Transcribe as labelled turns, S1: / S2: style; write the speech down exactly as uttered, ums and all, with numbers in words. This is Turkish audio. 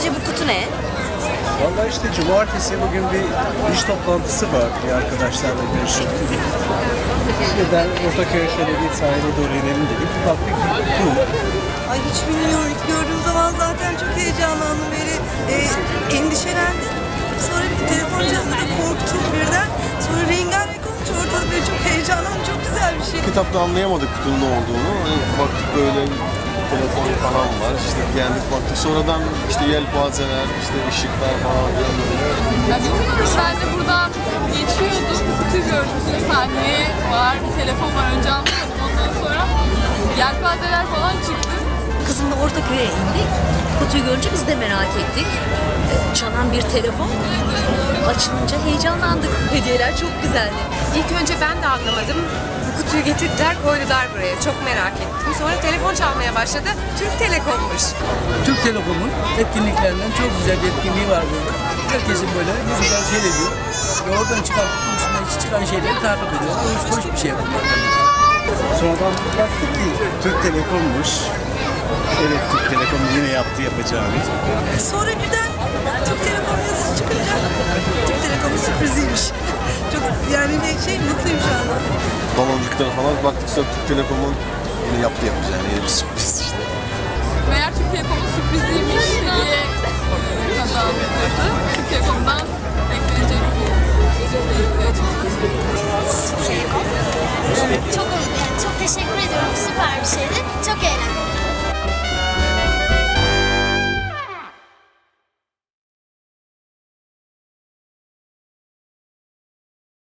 S1: Sizce bu kutu ne?
S2: Vallahi işte cumartesi bugün bir iş toplantısı var bir arkadaşlarla görüşüp. Neden Ortaköy'e şöyle bir sahile doğru inelim dedik. Bir baktık bir kutu.
S3: Ay hiç bilmiyorum. İlk gördüğüm zaman zaten çok heyecanlandım. Böyle e, endişelendim. Sonra bir telefon çaldı, korktum birden. Sonra rengarenk olunca ortada böyle çok heyecanlandım. Çok güzel bir şey.
S4: Kitapta anlayamadık kutunun ne olduğunu. Hani baktık böyle telefon falan var. İşte geldik baktık. Sonradan işte yelpazeler, işte ışıklar falan filan böyle.
S5: Ya bilmiyorum, ben de buradan geçiyordum. Kutu gördüm. Saniye var, bir telefon var. Önce anlamadım. Ondan sonra yelpazeler falan çıktı.
S1: Kızımla Ortaköy'e indik. Kutuyu görünce biz de merak ettik. Ee, Çalan bir telefon. Açılınca heyecanlandık. Hediyeler çok güzeldi.
S6: İlk önce ben de anlamadım. Bu kutuyu getirdiler, koydular buraya. Çok merak ettim. Sonra telefon çalmaya başladı. Türk Telekom'muş.
S7: Türk Telekom'un etkinliklerinden çok güzel bir etkinliği var burada. Herkesin böyle güzel seyrediyor. Ve oradan çıkan, üstünden çıkan şeyleri takip ediyor. Hoş, hoş bir şey bunlar.
S2: Sonradan baktık ki Türk Telekom'muş. Evet, Türk Telekom yine yaptı yapacağını.
S3: Sonra birden Türk Telekom yazısı çıkınca Türk Telekom'un sürpriziymiş. Çok yani ne şey mutluyum şu anda.
S4: Baloncuklara falan baktık sonra Türk Telekom'un yine yaptı yapacağını yeni bir sürpriz işte.
S5: Meğer Türk Telekom'un sürpriziymiş.